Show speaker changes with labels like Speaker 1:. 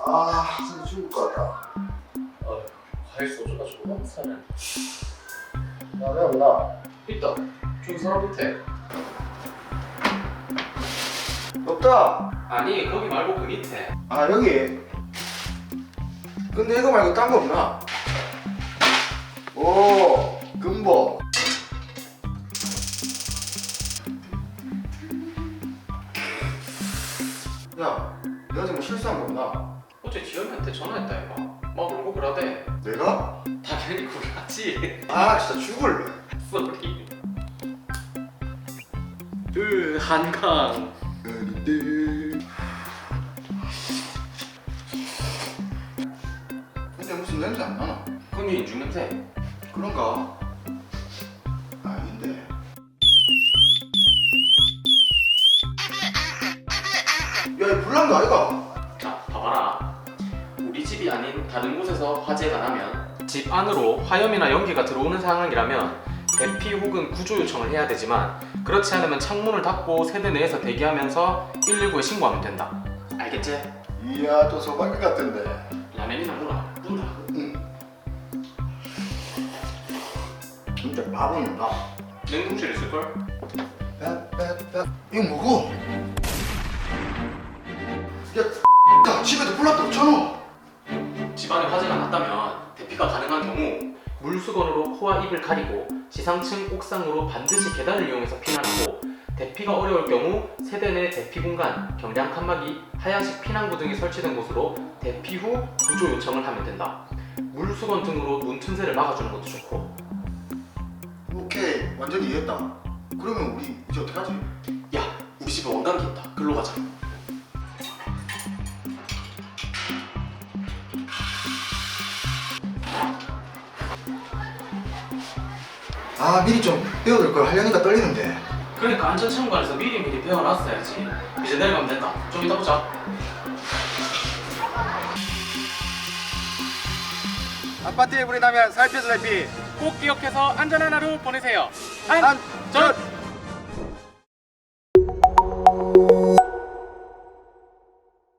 Speaker 1: 진짜 죽을 것 같다.
Speaker 2: 과일 소주가 조금 사네.
Speaker 1: 야, 왜 없나?
Speaker 2: 있다. 저기 사람 밑에.
Speaker 1: 없다.
Speaker 2: 아니 거기 말고 그 밑에.
Speaker 1: 아, 여기. 근데 이거 말고 딴 거 없나? 오, 금보. 야, 내가 지금 실수한 거 없나?
Speaker 2: 어제 지현이한테 전화했다 이거. 막 울고 그러대.
Speaker 1: 내가?
Speaker 2: 당연히 그러지.
Speaker 1: 아, 진짜 죽을래.
Speaker 2: 쏘리. 한강.
Speaker 1: 근데 무슨 냄새 안 나나?
Speaker 2: 그건 인중 냄새.
Speaker 1: 그런가? 아닌데. 야, 이 불난거 아이가?
Speaker 2: 자, 봐봐라. 우리 집이 아닌 다른 곳에서 화재가 나면 집 안으로 화염이나 연기가 들어오는 상황이라면 대피 혹은 구조 요청을 해야 되지만 그렇지 않으면 창문을 닫고 세대 내에서 대기하면서 119에 신고하면 된다. 알겠지?
Speaker 1: 이야, 또 소박이 같은데.
Speaker 2: 라면이나 물어. 문다.
Speaker 1: 응. 진짜 바보는 나.
Speaker 2: 냉동실에 있을걸?
Speaker 1: 이거 뭐고? 야, 집에도 불났다 없잖아.
Speaker 2: 집안에 화재가 났다면 대피가 가능한 경우 물수건으로 코와 입을 가리고 지상층 옥상으로 반드시 계단을 이용해서 피난하고 대피가 어려울 경우 세대 내 대피 공간, 경량 칸막이, 하얀식 피난구 등이 설치된 곳으로 대피 후 구조 요청을 하면 된다. 물수건 등으로 눈 틈새를 막아주는 것도 좋고.
Speaker 1: 오케이, 완전히 이해했다. 그러면 우리 이제 어떡하지?
Speaker 2: 야, 우리 집에 원단기 있다. 글로 가자.
Speaker 1: 아, 미리 좀 배워둘 걸 하려니까 떨리는데.
Speaker 2: 그러니까 안전창고관에서 미리 배워놨어야지. 이제 내려가면 된다. 좀 이따 보자.
Speaker 1: 아파트에 불이 나면 살펴서 대피.
Speaker 2: 꼭 기억해서 안전한 하루 보내세요.
Speaker 1: 안전.